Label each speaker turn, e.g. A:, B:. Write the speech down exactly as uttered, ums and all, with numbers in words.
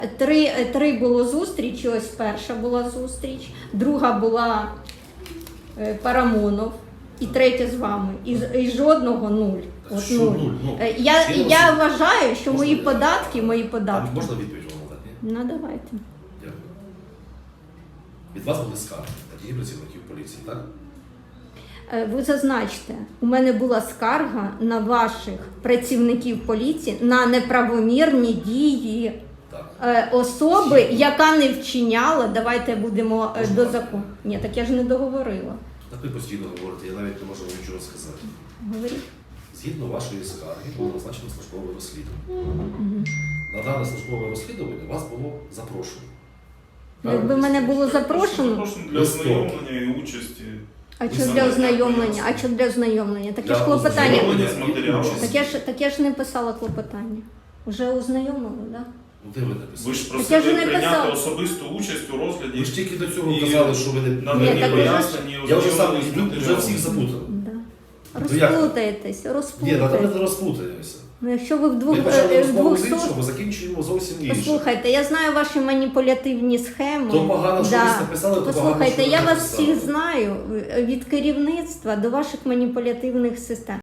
A: Три, три було зустрічі, ось перша була зустріч, друга була е, Парамонов і третя з вами. І, і жодного нуль. От
B: Що
A: нуль.
B: нуль? Ну,
A: Е, я,
B: Сергій
A: я
B: Васильович,
A: вважаю, що
B: можна
A: мої
B: я-
A: податки, мої
B: А
A: податки.
B: можна відповідь вам надати? Ні?
A: Ну давайте.
B: Дякую. Від вас були скарги, такі працівників поліції, так?
A: Е, Ви зазначте, у мене була скарга на ваших працівників поліції на неправомірні дії
B: Так.
A: е, особи, яка не вчиняла, давайте будемо е, до закону. Ні, так я ж не договорила.
B: Так ви постійно говорите, я навіть не можу вам нічого сказати.
A: Говоріть.
B: Згідно вашої скарги було назначено службове розслідування. На дане службове розслідування вас було запрошено.
A: Якби мене було запрошено,
C: Запрошено для ознайомлення і участі.
A: а що
C: саме
A: для
C: для
A: ознайомлення?
C: пояснення.
A: А що для ознайомлення? Таке
B: Для
A: ж клопотання.
C: ознайомлення з матеріалом.
A: Так я ж так я ж не писала клопотання. Уже ознайомила, так? Да?
B: Ну, де ви написали?
C: Ви ж
A: Так я
C: просили
A: ж не
C: прийняти
A: писала.
C: особисту участь у розгляді.
B: Ви ж тільки до цього
C: І
B: казали, що ви не...
A: Ні,
C: надані
A: так ви ж-
C: пояснення,
B: Я вже сам
C: ознайомлені з
B: вже
C: матеріалом.
B: всіх запутав.
A: Да.
B: Ну, як?
A: Розплутаєтесь,
B: Ні, ну
A: розплутаєтесь.
B: давайте розплутаємося.
A: Ну, якщо ви
B: Ми
A: вдвох
B: почали
A: е,
B: розмову з
A: двохсот...
B: іншого, закінчуємо зовсім інше.
A: Послухайте, я знаю ваші маніпулятивні схеми.
B: То погано, що ви написали, то погано,
A: Послухайте,
B: що ви
A: я вас
B: написали.
A: всіх знаю від керівництва до ваших маніпулятивних систем.